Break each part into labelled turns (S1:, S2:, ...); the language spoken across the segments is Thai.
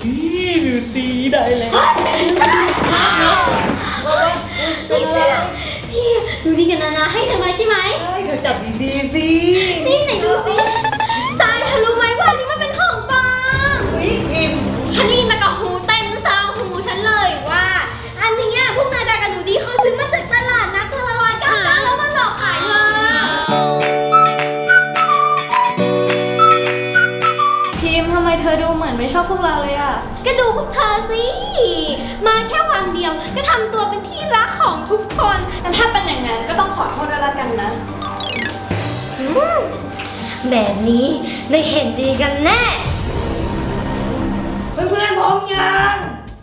S1: นี่ดูสิได้แล้ว
S2: นี่เสื้อพี่ดูดีกันนาให้เธอมาใช่ไหม
S1: ใช่เธอจับดีๆสิ
S2: นี่ไหนดูสิทรายเธอรู้ไหมว่านี่มันเป็นของปลอม
S1: พิมพ์
S2: ฉันได้ยินมากับหูเต็มซาวหูฉันเลยว่าอันนี้พวกนายดากันดูดีเขาซื้อมาจากตลาดนัดตะวัน99แล้วมาหลอกขายเธอ
S3: พิมพ์ทำไมเธอดูเหมือนไม่ชอบพวกเราเลยอ่ะ
S2: ก็ดูพวกเธอสิมาแค่วันเดียวก็ทำตัวเป็นที่รักของทุกคน
S3: แต่ถ้าเป็นอย่างนั้นก็ต้องขอโทษด้วยละกันนะ
S2: แบบนี้ได้เห็นดีกันแน่
S1: เพื่อนๆพร้อมยัง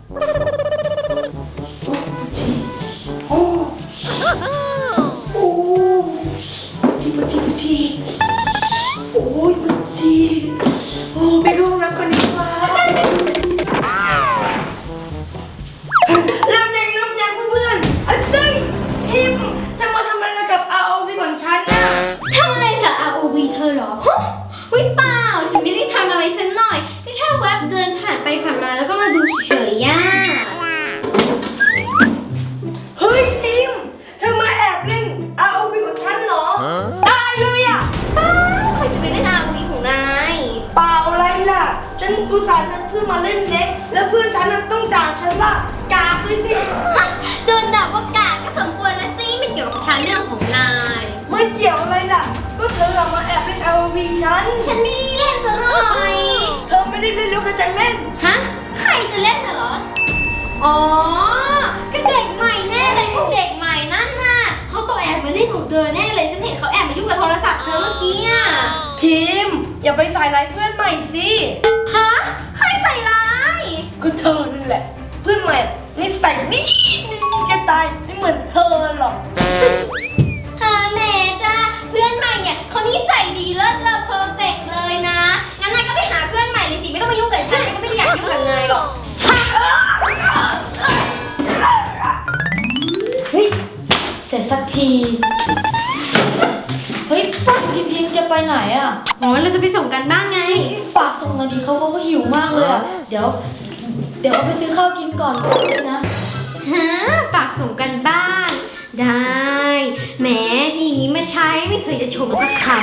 S1: โอ้โอ้ปัจจิโอ้ยปัจจิโอ้ไปเข้าห้องน้ำก่อนดีกว่าเริ่มยังเพื่อนๆอาจารย์พิมพ์จะมาทำอะไรกับ ROV ของฉันน่ะ
S2: ทำอะไรกับ ROV เธอเหรอวิเปล่าฉันไม่ได้ทำอะไรสักหน่อยก็แค่แวบเดินผ่านไปผ่านมาแล้วก็มาดูเฉยๆ
S1: เฮ้ยพิมพ์เธอมาแอบเล่น ROV ของฉันเหรอตายเลยอ่ะ
S2: ใครจะไปเล่น ROV ของนาย
S1: เปล่าอะไรล่ะฉันอุตส่าห์นัดเพื่อนมาเล่นเน็กแล้วเพื่อนฉันต้องด่าฉันว่ากากเลยสิ
S2: โดนด่าว่ากากก็สมควรนะสิไม่เกี่ยวกับฉันเรื่องของนาย
S1: ไม่เกี่ยวอะไรล่ะก็เธอมาแอบเล่น ROV
S2: ฉันไม่ได้เล่นซะหน่อย
S1: เธอไม่ได้เล่นแล้วก็จะเล่น
S2: ฮะใครจะเล่นเหรออ๋อก็เด็กใหม่แน่เลยพวกเด็กใหม่นั่นน่ะเขาต้องแอบมาเล่นของเธอแน่เลยฉันเห็นเขาแอบมายุ่งกับโทรศัพท์เธอเมื่อกี้อ่ะ
S1: พิมพ์อย่าไปใส่ร้ายเพื่อนใหม่สิ
S2: ฮะใครใส่ร้าย
S1: ก็เธอนั่นแหละเพื่อนใหม่นี่ใส่ดีกันตายไม่เหมือนเธอหรอก
S2: แม่จ้าเพื่อนใหม่เนี่ยเขานิสัยดีเลิศเลอเพอร์เฟกต์เลยนะงั้นนายก็ไปหาเพื่อนใหม่เลยสิไม่ต้องมายุ่งกับฉันก็ไม่ได้อยากยุ่งกับนายหรอก
S3: เฮ้ยเสร็จสักทีเฮ้ยพิมพ์จะไปไหนอ่ะ
S2: อ๋อเราจะไปส่งกันบ้างไง
S3: ฝากส่งมาดีเขาก็หิวมากเลยอ่ะเดี๋ยวเอาไปซื้อข้าวกินก่อนเลยนะ
S2: ฮะฝากส่งกันบ้านได้แหมทีนี้มาใช้ไม่เคยจะชมสักคำ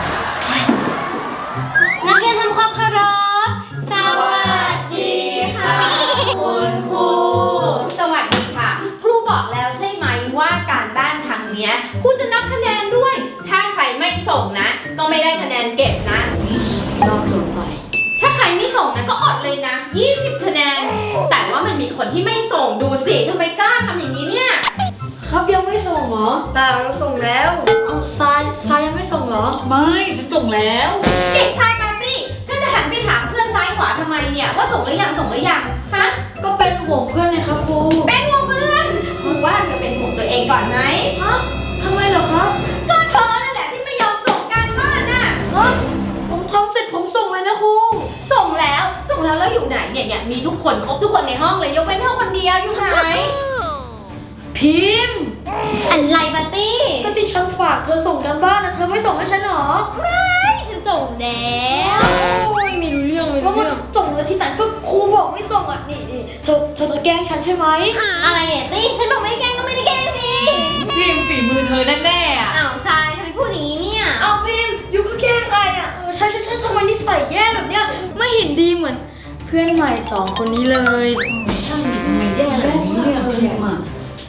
S2: นักเรียนทำความเคารพสวัสดีค่ะคุณครู
S4: สวัสดีค่ะครูบอกแล้วใช่ไหมว่าการบ้านครั้งนี้ครูจะนับคะแนนด้วยถ้าใครไม่ส่งนะก็ไม่ได้คะแนนเก็บนะ
S3: นอกลงไป
S4: ถ้าใครไม่ส่งนะก็อดเลยนะ20คะแนนแต่ว่ามันมีคนที่ไม่ส่งดูสิทำไมกล้าทำอย่างนี้เนี่ย
S3: ครับยังไม่ส่งเหรอ
S1: แต่เราส่งแล้ว
S3: เอาทรายยังไม่ส่งเหรอ
S1: ไม่ฉันส่งแล้ว
S4: เด็กชายปาร์ตี้ถ้าจะหันไปถามเพื่อนซ้ายขวาทำไมเนี่ยว่าส่งหรือยังฮะ
S3: ก็เป็นห่วงเพื่อนเลยครับครู
S4: เป็นห่วงเพื่อนครูว่าจะเป็นห่วงตัวเองก่อนไหม
S3: ฮะทำไมเหรอครับ
S4: ก็เธอนั่นแหละที่ไม่ยอมส่งการบ้านน่ะ
S3: ผมทำเสร็จผมส่งเลยนะครู
S4: ส่งแล้วแล้วอยู่ไหนเนี่ยมีทุกคนครบทุกคนในห้องเลยยกเว้นเธอคนเดียวอยู่ไหน
S3: พิมพ์
S2: อะไรปาร์ตี้
S3: ก็ที่ฉันฝากเธอส่งกันบ้านนะเธอไม่ส่งให้ฉันหรอ
S2: ไม่ฉันส่งแล้วโอ้ยไม่รู้เรื่อง
S3: ส่งแล้วที่ไหนก็ครูบอกไม่ส่งอ่ะนี่เธอแกล้งฉันใช่ไหม
S2: อะไรเนี่ยตี้ฉันบอกไม่ได้แกล้งก็ไม่ได้แกล้งสิ
S1: พิมพ์ฝีมือเธอแน่ๆอ่ะ
S2: อ้าวทรายทำไมพูดอย่างนี้เนี่ย
S1: เอาพิมพ์อยู่ก็แกล้งไงอ่ะ
S3: ใช่ทำไมนิสัยแย่แบบเนี้ยไม่เห็นดีเหมือนเพื่อนใหม่2คนนี้เลย
S1: ช่างดีทำไมแย่แบบนี้เนี่ยพิมพ์อ่ะ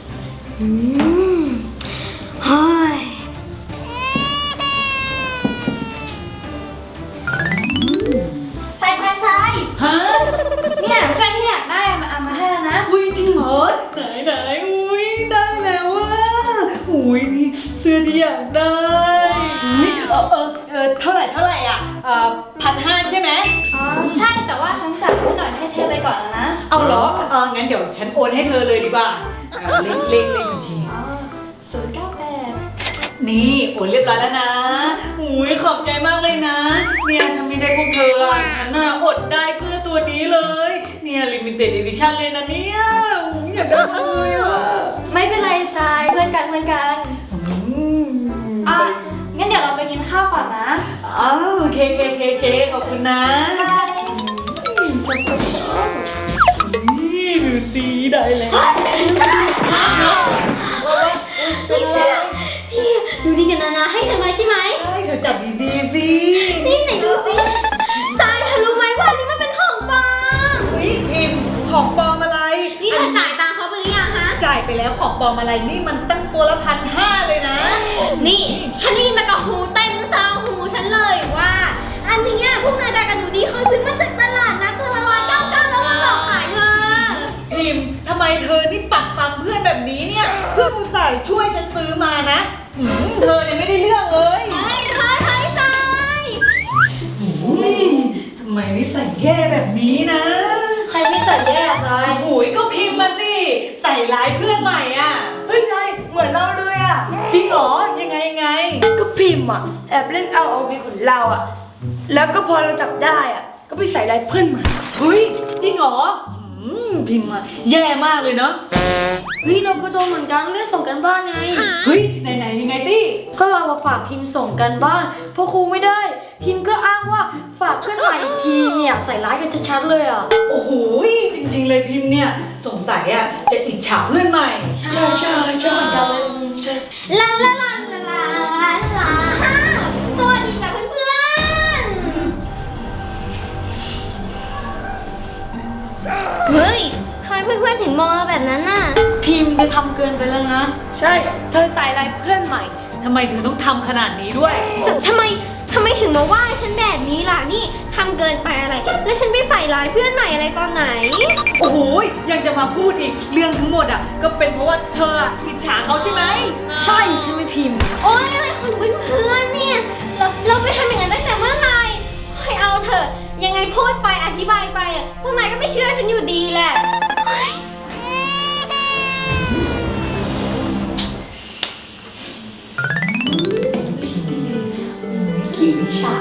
S2: เฮ้ย
S3: ใช่
S1: ฮะ
S3: เนี่ยใช่ที่อยากได้มาให้แล้วนะ
S1: อุ้ยจริงเหรอไหนอุ้ยได้แล้วว่ะอุ้ยนี่เสื้อที่อยากได้อุ้ยเท่าไหร่อ่ะ1,500ใช่ไหม
S3: อ๋อใช่แต่ว่าฉันจัดให้หน่อยให้เทไปก่อนแล้วนะ
S1: เอาเหรองั้นเดี๋ยวฉันโอนให้เธอเลยดีกว่าเลขบัญชี
S3: 098
S1: นี่โอนเรียบร้อยแล้วนะอุ้ยขอบใจมากเลยนะเนี่ยทำไม่ได้พวกเธอฉันน่ะอดได้เสื้อตัวนี้เลยเนี่ยลิมิเต็ดอีดิชั่นเลยนะเนี่ยอยากได้เลยอ่ะ
S3: ไม่เป็นไรทรายเพื่อนกันงั้นเดี๋ยวเราไปกินข้าวก่อนนะ
S1: โอเคขอบคุณนะได้แล้ว
S2: พี่เสือพี่ดูดีกันนาให้เธอมาใช่ไหม
S1: ใช่เธอจับดีๆสิ
S2: นี่ไหนดูสิทรายเธอรู้ไหมว่าอันนี้มันเป็นของปลอม
S1: เฮ้ยพิมพ์ของปลอมอะไร
S2: นี่เธอจ่ายตังค์เขาไปหรือยังฮะ
S1: จ่ายไปแล้วของปลอมอะไรนี่มันตั้งตัวละ1,500เลยนะ
S2: นี่ฉันได้ยินมากับหูเต็มซาวหูฉันเลยว่า อันนี้เนี่ยพวกนายดากับหนูดีเขาซื้อมาจากตลาดนะตัวละ199แล้วมาหลอกขายเธอ
S1: พิมพ์ทำไมเธอนี่ปักปั๊มเพื่อนแบบนี้เนี่ยเพื่อนอุตส่าห์ช่วยฉันซื้อมานะเธอเนี่ยไม่ได้เรื่องเลย
S2: เฮ้ยทราย
S1: ทำไมนิสัยแย่แบบนี้นะ
S3: ใครไม่ใส่แย่อะทราย
S1: โอ้ยก็พิมพ์มาสิใส่ร้ายเพื่อนใหม่อ่ะ
S5: เฮ้ยนายเหมือนเราเลยอ่ะ
S1: จริงเหรอยังไงยังไง
S5: ก็พิมพ์อ่ะแอบเล่นเอามีของเราอ่ะ แล้วก็พอเราจับได้อ่ะ ก็ไปใส่ลายเพื่อนใหม่
S1: เฮ้ยจริงเหรอพิมพ์อะแย่มากเลยเนาะ
S3: เฮ้ยเราก็โดนเหมือนกันเรื่องส่งกันบ้านไง
S1: เฮ้ยไหนยังไงตี้
S3: ก็เราฝากพิมพ์ส่งกันบ้านพอครูไม่ได้ พิมพ์ก็อ้างว่าฝากเพื่อนใหม่อีกทีเนี่ยใส่ร้ายกันชัดๆเลยอ่ะ
S1: โอ้โหจริงๆเลยพิมพ์เนี่ยสงสัยอ่ะจะอิจฉาเพื่อนใหม่
S3: ใช่เหมือนกันเลยใช่
S2: ลาลาลาลาลาลาสวัสดีจ้ะเพื่อนๆเฮ้ยทำไมเพื่อนๆถึงมองเราแบบนั้นน่ะ
S3: พิมพ์จะทำเกินไปแล้วนะ
S5: ใช่ เธอใส่ลายเพื่อนใหม่
S1: ทำไมถึงต้องทำขนาดนี้ด้วย
S2: ทำไมถึงมาว่าฉันแบบนี้ล่ะนี่ทำเกินไปอะไร แล้วฉันไปใส่ร้ายเพื่อนใหม่อะไรตอนไหน
S1: โอ้โหยังจะมาพูดอีกเรื่องทั้งหมดอ่ะก็เป็นเพราะว่าเธออะอิจฉาเขาใช่ไหม
S3: ใช่ใช่ไหมพิมพ์
S2: โอ๊ยอะไรของเพื่อนๆเนี่ยเราไปทำอย่างนั้นตั้งแต่เมื่อไหร่ให้เอาเถอะยังไงพูดไปอธิบายไปอะพวกนายก็ไม่เชื่อฉันอยู่ดีแหละเฮ้ย
S1: ขี้ฉา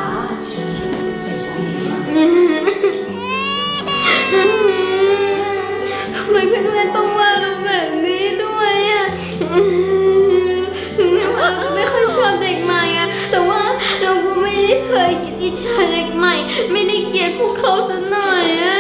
S2: ทำไมเพื่อนๆต้องว่าเราแบบนี้ด้วยอะถึงแม้ว่าเราจะไม่ค่อยชอบเด็กใหม่อะแต่ว่าเราก็ไม่ได้เคยคิดอิจฉาเด็กใหม่ ไม่ได้เกลียดพวกเขาสักหน่อยอะ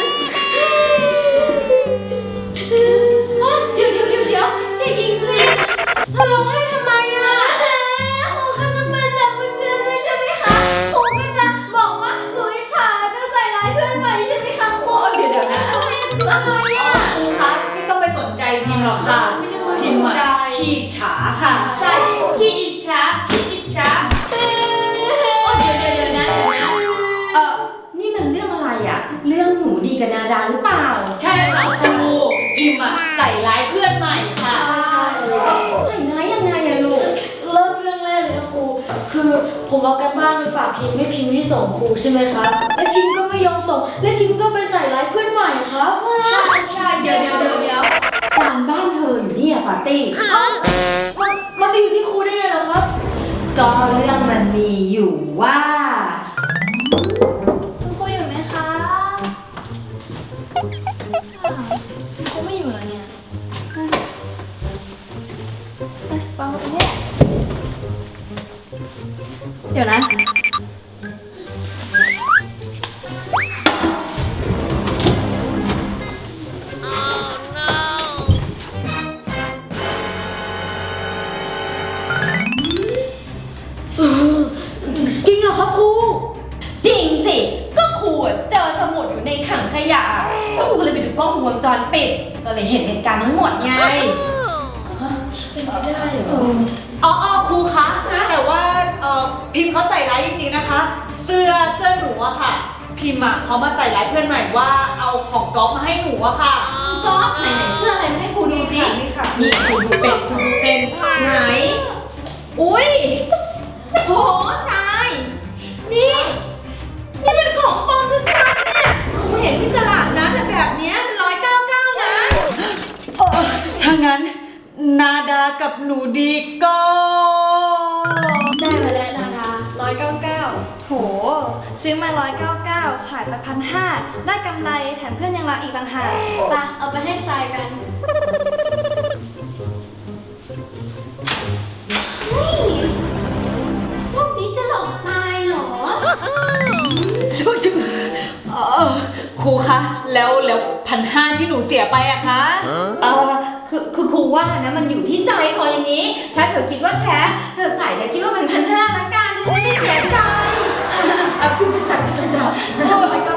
S2: เดี๋ยวเด็กหญิงลีเธอร้องไห้ทำไมอะครูก็จะเป็นแบบเพื่อนๆด้วยใช่ไหมคะครูก็จะบอกว่าหนูอิจฉาแล้วก็ใส่ร้ายเพื่อนใหม่ใช่ไหมคะครูเดี๋ยวนะทำไมอะไรอะ
S1: ครูคะไม่ต้องไปสนใจพิมพ์หรอกค่ะพิมพ์อะขี้ฉาค่ะ
S4: ใช่ขี้อิจฉาขี้อิจฉาโอ้เดี๋ยวนะนี่มันเรื่องอะไรอ่ะ เรื่องหนูดีกับนาดาหรือเปล่า
S1: ใช่ค่ะครูพิมพ์อะใส่ร้ายเพื่อนใหม่ค่ะ
S4: ใส่ร้ายยังไงอะลูก
S3: เริ่มเรื่องแรกเลยนะครู คือผมเอากันบ้านไปฝากพิมพ์ไม่พิมพ์ไม่ส่งครูใช่ไหมครับและพิมพ์ก็ไม่ยอมส่งและพิมพ์ก็ไปใส่ร้ายเพื่อนใหม่ครับ
S4: ใช่เดี๋ยวการบ้านเธออยู่เนี่ยปาร์ตี้
S3: มันดีอยู่ที่ครูได้ไงเหรอครับ
S4: ก็เรื่องมันมีอยู่ว่า
S2: คุณครูอยู่ไหมคะคุณครูไม่อยู่แล้วเนี่ยฟังมาตรงนี้เดี๋ยวนะ
S3: จริงเหรอครับครู
S4: จริงสิ ก็ครูเจอสมุดอยู่ในถังขยะแล้วครูก็เลยไปดูกล้องวงจรปิด ก็เลยเห็นเหตุการณ์ทั้งหมดไง
S3: เป็นไปได้เหรอ
S1: อ๋อครูคะแต่ว่าพิมพ์เขาใส่ร้ายจริงๆนะคะ เสื้อหนูอะค่ะ พิมพ์อะเขามาใส่ร้ายเพื่อนใหม่ว่าเอาของก๊อฟมาให้หนูอะค่ะ
S4: ก๊อฟไหนเสื้ออะไรมาให้ครูดูสิ
S1: นี่ค่ะ
S4: นี่ครูดูเป็นไหน อุ้ยโหทราย นี่มันของปลอมชัดๆเนี่ยครูเห็นที่ตลาดนัดแต่แบบเนี้ย199นะ
S1: ถ้างั้นนาดากับหนูดีก็
S2: ได้มาแล้วนาดา199
S6: โห ซื้อมา 199 ขายไป1,500 ได้กำไรแถมเพื่อนยังรักอีกต่างหาก
S2: ไปเอาไปให้ทรายกันเฮ้ยพวกนี้จะหลอกทรายเหรอ
S1: ครูคะแล้ว1,500ที่หนูเสียไปอะคะ
S4: คือครูว่านะมันอยู่ที่ใจคออย่างนี้ ถ้าเธอคิดว่าแท้เธอใส่แต่คิดว่ามัน1,500ละกันเธอจะไม่เสียใจคุณจะจับไปก็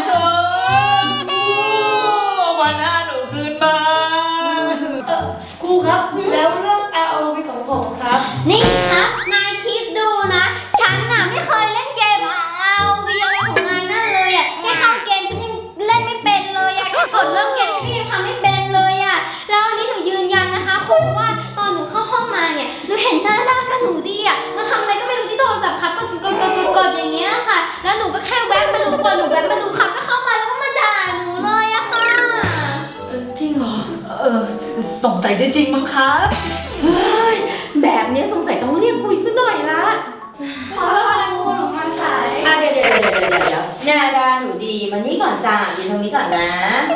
S1: 1,500หนูคืนมา
S5: ครูครับ แล้วเรื่อง ROV ของผมครับ
S2: นี่ครับนายคิดดูนะ ฉันน่ะไม่เคยเล่นเกมROVอะไรของนายนั่นเลยอ่ะแค่เข้าเกมฉันยังเล่นไม่เป็นเลยอ่ะแค่กดเริ่มเกมฉันยังทำไม่เป็นเลยอ่ะแล้วอันนี้หนูยืนยันนะคะครูว่าตอนหนูเข้าห้องมาเนี่ยหนูเห็นหน้าด้ากับหนูดีอ่ะมาทำอะไรก็ไม่รู้ที่โทรศัพท์ครับกดอย่างเงี้ยค่ะ แล้วหนูก็แค่แวะมาดูพอหนูแวะมาดูครับก็เข้ามาแล้วก็มาด่าหนูเลยอะค่ะ
S5: จริงเหรอ
S1: สงสัยจะจริงมั้งครับ
S4: แบบนี้สงสัยต้องเรียกคุยซะหน่อยละ
S6: ขอโทษนะครูหนูมาสาย
S4: เดี๋ยวนาดาหนูดีมานี่ก่อนจ้ายืนตรงนี้ก่อนนะ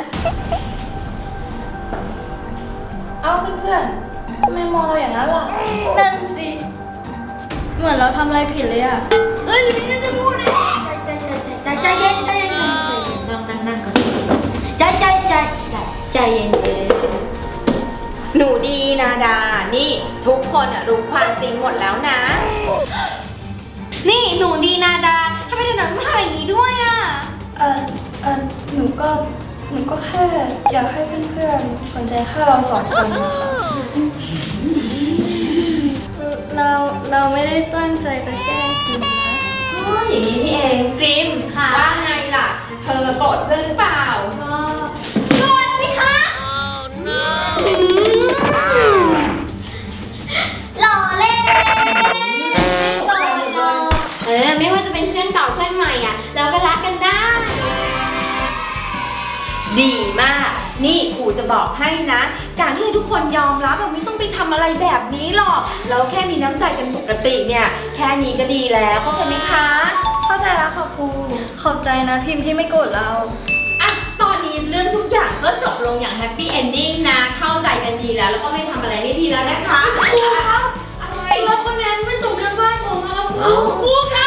S6: เอ้าเพื่อนๆทำไมมองเราอย่างนั้นล่ะ นั่นสิ เหมือนเราทำอะไรผิดเลยอะเอ้ยไม่จะพูดนะใจเย็นนั่งก่อนใจเย็น
S4: หนูดีนาดานี่ทุกคนอะรู้ความจริงหมดแล้วนะ
S2: นี่หนูดีนาดาทำไมถึงทำอย่างนี้ด้วยอ่ะ
S6: หนูก็แค่อยากให้เพื่อนๆสนใจแค่เราสองคนเราไม่ได้ตั้งใจจะแกล้งพิมนะ
S4: อย่างนี้นี่เองกริม
S2: ค่ะ
S4: ว่าไงล่ะ เธอโกรธเพื่อนหรือเปล่า
S2: โกรธสิคะหล่อเล่นโกรธหรอกไม่ว่าจะเป็นเพื่อนเก่าเพื่อนใหม่อ่ะ เราก็รักกันได้
S4: ดีมาก นี่ครูจะบอกให้นะ การที่ทุกคนยอมรับแบบไม่ต้องไปทำอะไรแบบนี้หรอกแล้วแค่มีน้ำใจกันปกติเนี่ย แค่นี้ก็ดีแล้วเข้าใจไหมคะ
S6: เข้าใจแล้วค่ะครู ขอบใจนะพิมพ์ที่ไม่โกรธเรา
S4: อ่ะตอนนี้เรื่องทุกอย่างก็จบลงอย่างแฮปปี้เอนดิ้งนะ เข้าใจกันดีแล้วแล้วก็ไม่ทำอะไรไม่ดีแล้วนะคะครูครับอะไร
S3: แล้วคนนั้นไม่ส่งกันบ้านผมมาแล้วครู
S4: ครูคะ